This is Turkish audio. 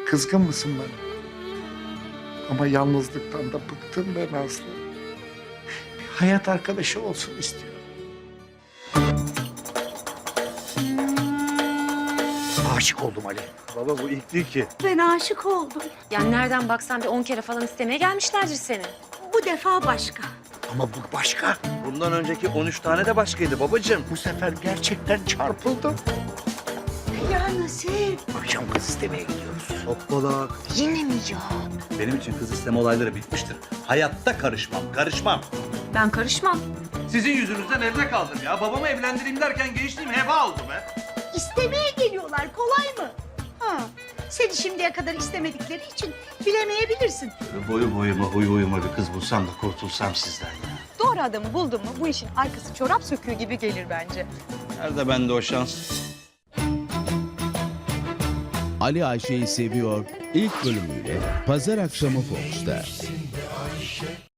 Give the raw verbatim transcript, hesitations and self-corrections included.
Kızgın mısın bana? Ama yalnızlıktan da bıktım ben Aslı. Bir hayat arkadaşı olsun istiyorum. Aşık oldum Ali. Baba bu ilk değil ki. Ben aşık oldum. Yani nereden baksan bir on kere falan istemeye gelmişlerdir seni. Bu defa başka. Ama bu başka. Bundan önceki on üç tane de başkaydı babacığım. Bu sefer gerçekten çarpıldım. Ya Nasip. Akşam kız istemeye gidiyoruz. Hoppalak. Yine mi ya? Benim için kız isteme olayları bitmiştir. Hayatta karışmam, karışmam. Ben karışmam. Sizin yüzünüzden evde kaldım ya. Babamı evlendireyim derken gençliğim heba oldu be. İstemeye geliyorlar. Kolay mı? Ha. Seni şimdiye kadar istemedikleri için bilemeyebilirsin. Böyle boyu boyuma, huyu huyuma bir kız bulsam da kurtulsam sizden ya. Doğru adamı buldun mu bu işin arkası çorap söküğü gibi gelir bence. Nerede bende o şans? Ali Ayşe'yi seviyor ilk bölümüyle pazar akşamı Fox'ta.